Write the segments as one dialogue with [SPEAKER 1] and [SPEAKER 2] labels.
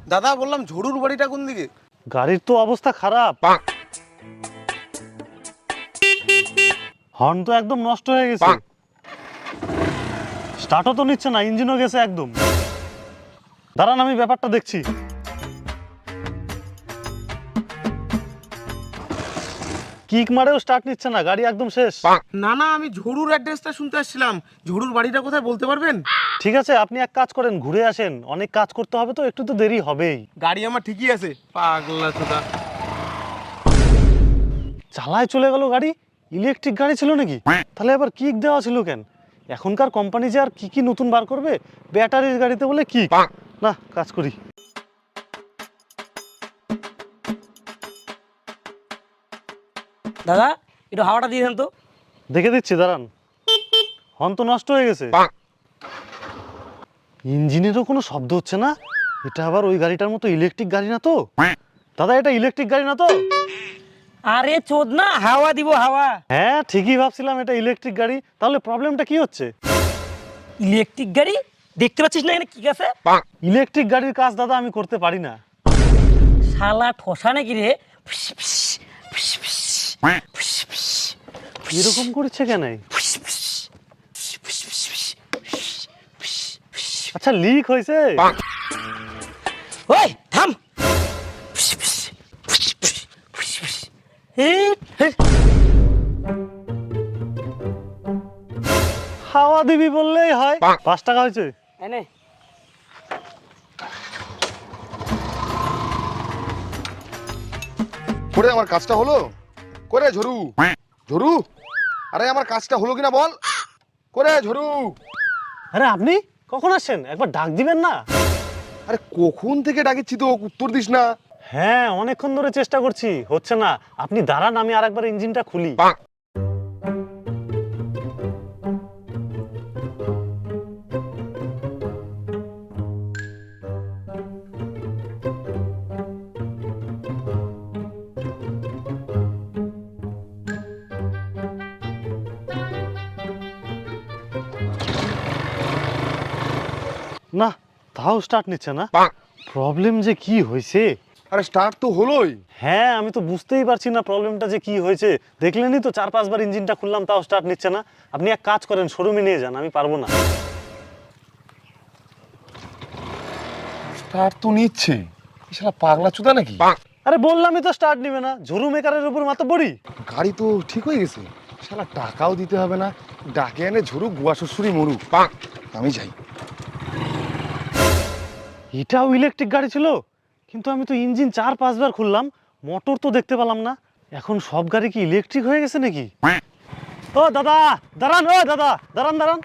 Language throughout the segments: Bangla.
[SPEAKER 1] দাদা বললাম ঝুড়ুর বাড়িটা কোন দিকে?
[SPEAKER 2] গাড়ির তো অবস্থা খারাপ, হর্ন তো একদম নষ্ট হয়ে গেছে, স্টার্টও তো নিচ্ছে না, ইঞ্জিনও গেছে একদম। দাঁড়ান আমি ব্যাপারটা দেখছি। কিক মারেও স্টার্ট নিচ্ছে না, গাড়ি একদম শেষ।
[SPEAKER 1] না না, আমি ঝুড়ুর অ্যাড্রেসটা শুনতে আসছিলাম। ঝুড়ুর বাড়িটা কোথায় বলতে পারবেন?
[SPEAKER 2] ঠিক আছে, আপনি এক কাজ করেন, ঘুরে আসেন, অনেক কাজ করতে হবে তো, একটু তো দেরি হবেই।
[SPEAKER 1] গাড়ি আমার ঠিকই আছে। পাগলা চোদা।
[SPEAKER 2] চালায় চলে গেল গাড়ি। ইলেকট্রিক গাড়ি ছিল নাকি? তাহলে আবার কিক দেওয়া ছিল কেন? এখনকার কোম্পানি যে আর কি কি নতুন বার করবে, ব্যাটারির গাড়িতে বলে কিক। না, কাজ করি।
[SPEAKER 3] দাদা একটু হাওয়াটা দিয়ে দেন তো।
[SPEAKER 2] দেখে দিচ্ছি, দাঁড়ান। হর্ন তো নষ্ট হয়ে গেছে, ইঞ্জিনেরও কোনো শব্দ হচ্ছে না। এটা আবার ওই গাড়িটার মতো ইলেকট্রিক গাড়ি না তো? দাদা এটা ইলেকট্রিক গাড়ি না তো?
[SPEAKER 3] আরে চোদ না, হাওয়া দিব হাওয়া।
[SPEAKER 2] হ্যাঁ ঠিকই ভাবছিলাম এটা ইলেকট্রিক গাড়ি। তাহলে প্রবলেমটা কি হচ্ছে?
[SPEAKER 3] ইলেকট্রিক গাড়ি দেখতে পাচ্ছিস না এখানে কি আছে?
[SPEAKER 2] ইলেকট্রিক গাড়ির কাজ দাদা আমি করতে পারি না।
[SPEAKER 3] শালা ঠোসা নাকি রে? ফিস, ফিস, ফিস, ফিস, ফিস, ফিস,
[SPEAKER 2] এরকম করছে কেন?
[SPEAKER 3] ফিস, ফিস, ফিস, ফিস, ফিস, ফিস, ফিস।
[SPEAKER 2] আচ্ছা লিক হয়েছে?
[SPEAKER 3] ওই থাম। ফিস, ফিস, ফিস, ফিস, ফিস, ফিস। এই, এই।
[SPEAKER 2] হাওয়া দিবি বললেই হয়। 5 টাকা হয়েছে।
[SPEAKER 3] এনে
[SPEAKER 4] করে আমার কাজটা হলো? করে ঝরু ঝরু, আরে আমার কাজটা হলো কিনা বল? করে ঝরু।
[SPEAKER 2] আরে আপনি কখন আসছেন? একবার ডাক দিবেন না?
[SPEAKER 4] আরে কখন থেকে ডাকিচ্ছি তো, উত্তর দিস না।
[SPEAKER 2] হ্যাঁ অনেকক্ষণ ধরে চেষ্টা করছি, হচ্ছে না। আপনি দাঁড়ান, আমি আরেকবার ইঞ্জিনটা খুলি। না, তাও স্টার্ট নিচ্ছে না। প্রবলেম যে কি হয়েছে?
[SPEAKER 4] আরে স্টার্ট তো হলোই।
[SPEAKER 2] হ্যাঁ আমি তো বুঝতেই পারছি না প্রবলেমটা যে কি হয়েছে। দেখলেনই তো 4-5 বার ইঞ্জিনটা খুললাম, তাও স্টার্ট নিচ্ছে না। আপনি এক কাজ করেন, শোরুমে নিয়ে যান, আমি পারবো না।
[SPEAKER 4] স্টার্ট তো নিচ্ছে, শালা পাগলা চুদা নাকি?
[SPEAKER 2] আরে বললামই তো স্টার্ট নিবে না, ঝুরু মেকারের উপর মাতব্বরি।
[SPEAKER 4] গাড়ি তো ঠিক হয়ে গেছে, শালা টাকাও দিতে হবে না, ডাকে এনে ঝরু গুয়া শ্বশুরি মরু। আমি যাই।
[SPEAKER 2] এটাও ইলেকট্রিক গাড়ি ছিল, কিন্তু আমি তো ইঞ্জিন 4-5 বার খুললাম, মোটর তো দেখতে পেলাম না। এখন সব গাড়ি কি ইলেকট্রিক হয়ে গেছে নাকি? ও দাদা দাঁড়ান, ও দাদা দাঁড়ান দাঁড়ান।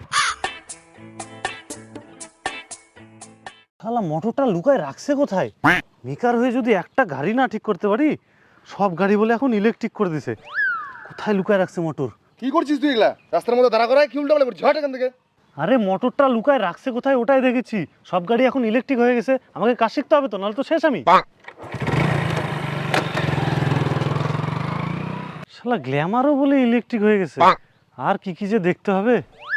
[SPEAKER 2] শালা মোটরটা লুকায় রাখছে কোথায়? মেকার হয়ে যদি একটা গাড়ি না ঠিক করতে পারি, সব গাড়ি বলে এখন ইলেকট্রিক করে দিছে। কোথায় লুকায় রাখছে মোটর?
[SPEAKER 4] কি করছিস তুই এগুলা? রাস্তার মধ্যে দাঁড়া করায় কি উল্টা বলে ঝট এখান থেকে।
[SPEAKER 2] আরে মোটরটা লুকায় রাখছে কোথায় ওটাই দেখেছি। সব গাড়ি এখন ইলেকট্রিক হয়ে গেছে, আমাকে কাজ শিখতে হবে তো, নাহলে তো শেষ আমি। শালা গ্ল্যামারও বলে ইলেকট্রিক হয়ে গেছে। আর কি কি যে দেখতে হবে।